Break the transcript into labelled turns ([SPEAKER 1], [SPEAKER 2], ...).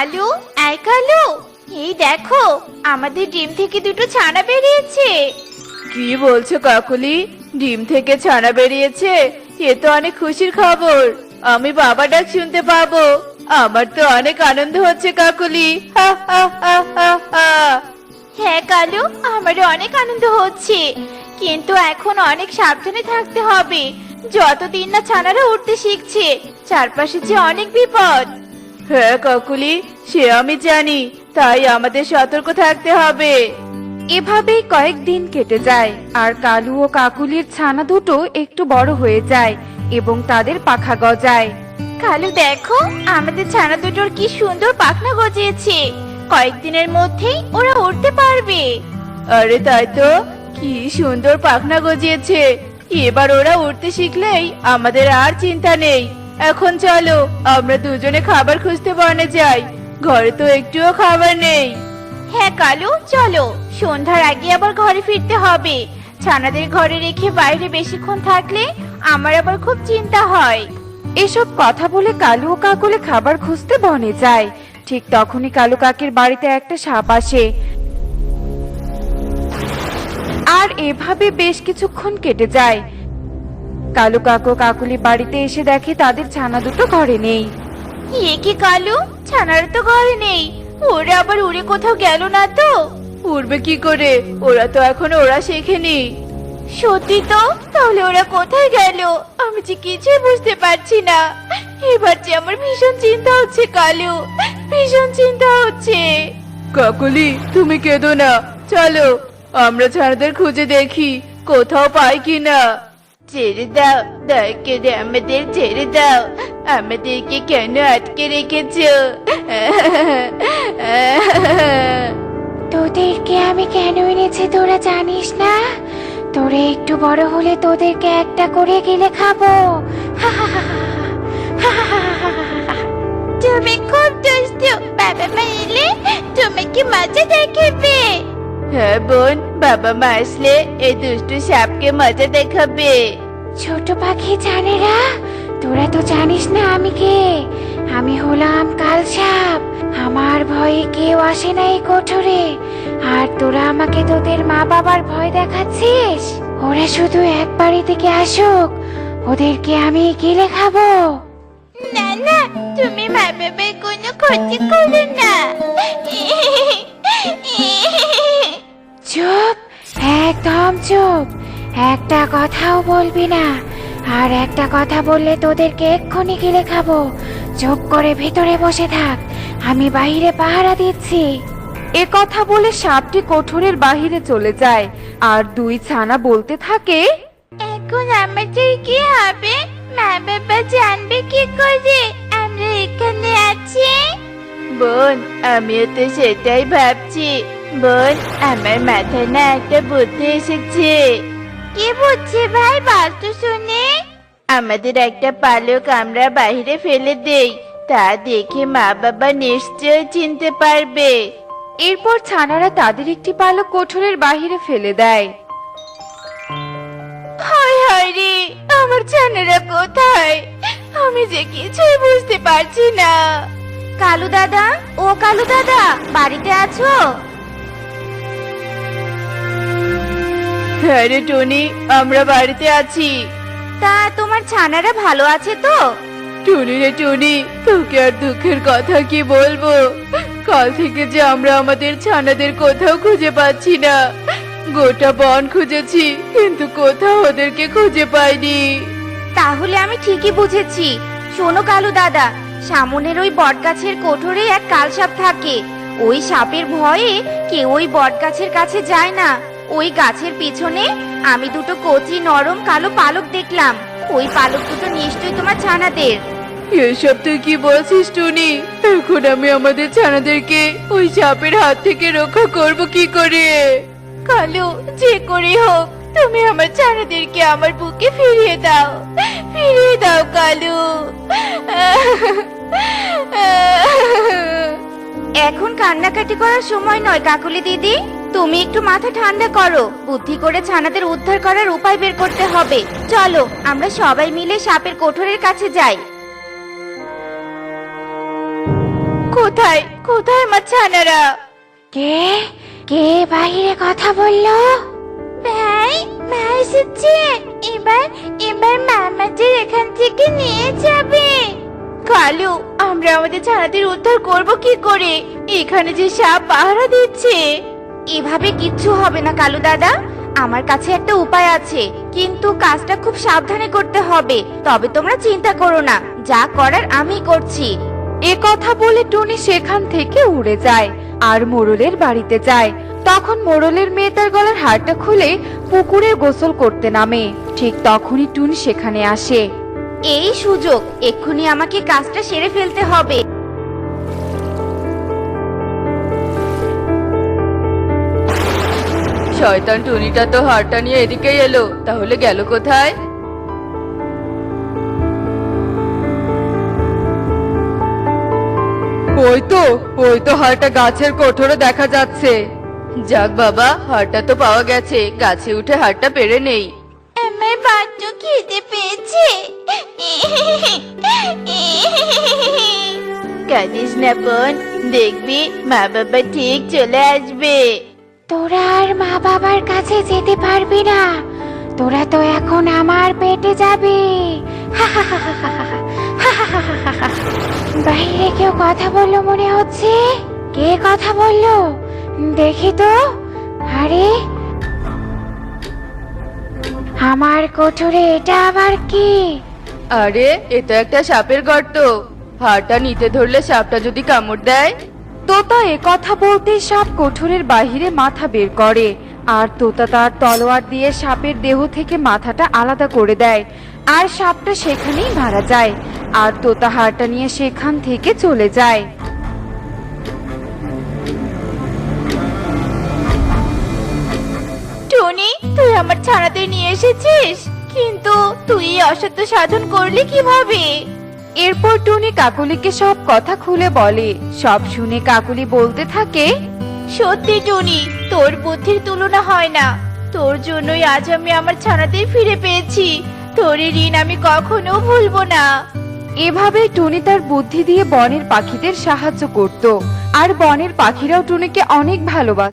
[SPEAKER 1] কালু, এই কালু, এই দেখো আমাদের ডিম থেকে দুটো ছানা বেরিয়েছে।
[SPEAKER 2] কি বলছো কাকুলি? ডিম থেকে ছানা বেরিয়েছে? এ তো অনেক খুশির খবর। আমি বাবা ডাক শুনতে পাবো। আমার তো অনেক আনন্দ হচ্ছে কাকুলি। হা হা হা হা হা।
[SPEAKER 1] হ্যাঁ কালু, আমারও অনেক আনন্দ হচ্ছে, কিন্তু এখন অনেক সাবধানে থাকতে হবে। যতদিন না ছানারা উঠতে শিখছে, চারপাশে যে অনেক বিপদ।
[SPEAKER 2] হ্যাঁ কাকুলি, সে আমি জানি, তাই আমাদের সতর্ক থাকতে হবে। এভাবেই কয়েকদিন কেটে যায় আর কালু ও কাকুলির ছানা দুটো একটু বড় হয়ে যায় এবং তাদের পাখা গজায়।
[SPEAKER 1] কালু দেখো, আমাদের ছানা দুটোর কি সুন্দর পাখনা গজিয়েছে। কয়েকদিনের মধ্যেই ওরা উঠতে পারবে।
[SPEAKER 2] আরে তাই তো, কি সুন্দর পাখনা গজিয়েছে। এবার ওরা উঠতে শিখলেই আমাদের আর চিন্তা নেই। এখন চলো আমরা দুজনে খাবার খুঁজতে বনে যাই। ঘরে তো একটুও খাবার নেই।
[SPEAKER 1] হ্যাঁ কালু, চলো, সন্ধ্যার আগে আবার ঘরে ফিরতে হবে। ছানাদের ঘরে রেখে বাইরে বেশিক্ষণ থাকলে আমার আবার খুব চিন্তা হয়।
[SPEAKER 2] এসব কথা বলে কালু ও কাকুলি খাবার খুঁজতে বনে যায়। ঠিক তখনই কালু কাকের বাড়িতে একটা সাপ আসে। আর এভাবে বেশ কিছুক্ষণ কেটে যায়। কালু কাকু কাকুলি বাড়িতে এসে দেখে তাদের ছানা দুটো ঘরে নেই।
[SPEAKER 1] এ কি কালু, ছানারা তো ঘরে নেই। ওরা আবার উড়ে কোথাও গেল না তো?
[SPEAKER 2] উড়বে কি করে? ওরা তো এখনো ওরা শেখেনি।
[SPEAKER 1] সত্যি তো? তাহলে ওরা কোথায় গেল? আমি যে কিছুই বুঝতে পারছি না। এবার যে আমার ভীষণ চিন্তা হচ্ছে কালু, ভীষণ চিন্তা হচ্ছে।
[SPEAKER 2] কাকুলি, তুমি কেঁদো না, চলো আমরা ছানাদের খুঁজে দেখি কোথাও পাই কিনা।
[SPEAKER 1] ছেড়ে দাও, দয়া করে আমাদের ছেড়ে দাও। আমাদেরকে কেন আটকে রেখেছো? তোদেরকে আমি কেন এনেছি তোরা জানিস না? তোরা একটু বড় হলে তোদেরকে একটা করে গিলে খাবো। তুমি খুব দুষ্টু, বাবা মা এলে তোমাকে মজা দেখাবে।
[SPEAKER 2] হ্যাঁ বোন, বাবা মা আসলে এই দুষ্টু সাপকে মজা দেখাবে।
[SPEAKER 1] ছোট পাখি জানেরা, তোরা তো জানিস না আমি কে। আমি হলাম কাল সাপ। আমার ভয়ে কেউ আসে না এই কোঠরে। আর তোরা আমাকে তোদের মা বাবার ভয় দেখাচ্ছিস। ওরা শুধু একবারই থেকে আসুক, ওদেরকে আমি গিলে খাবো। না না, তুমি মা বাবার কোনো ক্ষতি করো না। চুপ, একদম চুপ, একটা কথাও বলবি না। আর একটা কথা বললে তোদেরকে এক্ষুনি গিলে খাবো। চুপ করে ভিতরে বসে থাক, আমি বাইরে পাহারা দিচ্ছি।
[SPEAKER 2] এ কথা বলে সাপটি কোঠরের বাহিরে চলে যায় আর দুই ছানা বলতে থাকে,
[SPEAKER 1] এখন আমাদের কি হবে? মা বাবা জানবে কি করে আমরা এখানে আছি?
[SPEAKER 2] বোন আমিও তো সেটাই ভাবছি। বোন, আমার মাথায় না একটা বুদ্ধি এসেছে।
[SPEAKER 1] কি বুঝছি ভাই, বল তো শুনে।
[SPEAKER 2] আমাদের একটা পালক আমরা বাইরে ফেলে দেই, তা দেখে মা বাবা নিশ্চয় চিনতে পারবে। এরপর ছানারা তাদের একটি পালক কোঠরের বাহিরে ফেলে দেয়।
[SPEAKER 1] হায় হায় রে, আমার ছানারা কোথায়? আমি যে কিছুই বুঝতে পারছি না। কালু দাদা, ও কালু দাদা, বাড়িতে আছো?
[SPEAKER 2] হ্যাঁ রে টনি, আমরা বাড়িতে আছি।
[SPEAKER 1] তা তোমার ছানারা ভালো আছে তো?
[SPEAKER 2] টুনি রে টুনি, তোকে আর দুঃখের কথা কি বলবো। কাল থেকে যে আমরা আমাদের ছানাদের কোথাও খুঁজে পাচ্ছি না। গোটা বন খুঁজেছি, কিন্তু কোথাও ওদেরকে খুঁজে পাইনি।
[SPEAKER 1] তাহলে আমি ঠিকই বুঝেছি। শোনো কালু দাদা, সামনের ওই বটগাছের কোঠরে এক কালসাপ থাকে। ওই সাপের ভয়ে কেউ ওই বটগাছের কাছে যায় না। ওই গাছের পিছনে আমি দুটো কচি নরম কালো পালক দেখলাম। ওই পালক দুটো নিশ্চয়ই তোমার ছানাদের।
[SPEAKER 2] এসব তুই কি বলছিস টুনি? এখন আমি আমাদের ছানাদেরকে ওই সাপের হাত থেকে রক্ষা করব কি করে?
[SPEAKER 1] কালু, যে করে হোক তুমি আমার ছানাদেরকে আমার বুকে ফিরিয়ে দাও, ফিরিয়ে দাও কালু। এখন কান্নাকাটি করার সময় নয় কাকুলি দিদি। তুমি একটু মাথা ঠান্ডা করো, বুদ্ধি করে ছানাদের উদ্ধার করার উপায় বের করতে হবে। চলো আমরা সবাই মিলে সাপের কোঠরের কাছে যাই। কোথায়
[SPEAKER 2] কোথায় আমার ছানারা?
[SPEAKER 1] কে কে বাইরে কথা বললো? ভাই ভাই এসেছে। এবার এবার মামাদের এখান থেকে নিয়ে যাবে।
[SPEAKER 2] কালু, আমরা আমাদের ছানাদের উদ্ধার করব কি করে? এখানে যে সাপ পাহারা দিচ্ছে। এভাবে কিচ্ছু হবে না কালু দাদা, আমার কাছে একটা উপায় আছে, কিন্তু কাজটা খুব সাবধানে করতে হবে। তবে তোমরা চিন্তা করো না, যা করার আমি করছি। এ কথা বলে টুনি সেখান থেকে উড়ে যায় আর মোড়লের বাড়িতে যায়। তখন মোড়লের মেয়ে তার গলার হারটা খুলে পুকুরে গোসল করতে নামে। ঠিক তখনই টুনি সেখানে আসে। এই সুযোগ, এক্ষুনি আমাকে কাজটা সেরে ফেলতে হবে। শয়তান টুনিটা তো হারটা নিয়ে এদিকেই এলো, তাহলে গেল কোথায়? ওই তো হারটা গাছের কোঠরে দেখা যাচ্ছে। যাক বাবা, হারটা তো পাওয়া গেছে, গাছে উঠে হারটা পেরে নেই।
[SPEAKER 1] আমার বড্ড খিদে পেয়েছে।
[SPEAKER 2] কাঁদিস না বোন, দেখবি মা বাবা ঠিক চলে আসবে।
[SPEAKER 1] তোরা আর মা বাবার কাছে যেতে পারবি না, তোরা তো এখন আমার পেটে যাবি। বাইরে কেউ কথা বললো মনে হচ্ছে। কে কথা বললো দেখি তো। আরে আমার কোঠরে এটা আবার কি?
[SPEAKER 2] আরে, এটা একটা সাপের গর্ত। হাড়টা নিতে ধরলে সাপটা যদি কামড় দেয়? তোতা এ কথা বলতে সাপ কোঠরের বাহিরে মাথা বের করে, আর তোতা তার তলোয়ার দিয়ে সাপের দেহ থেকে মাথাটা আলাদা করে দেয়, আর সাপটা সেখানেই মারা যায়। আর তোতা হাড়টা নিয়ে সেখান থেকে চলে যায়। টনি, তুই আমার ছানাদের নিয়ে এসেছিস, কিন্তু তুই এই অসত্য সাধন করলি কিভাবে? এরপর টুনি কাকুলিকে সব কথা খুলে বলে। সব শুনে কাকুলি বলতে থাকে, সত্যি টুনি, তোর বুদ্ধির তুলনা হয় না। তোর জন্যই আজ আমি আমার ছানাদের ফিরে পেয়েছি। তোর এই ঋণ আমি কখনো ভুলবো না। এভাবে টুনি তার বুদ্ধি দিয়ে বনের পাখিদের সাহায্য করত, আর বনের পাখিরাও টুনিকে অনেক ভালোবাসত।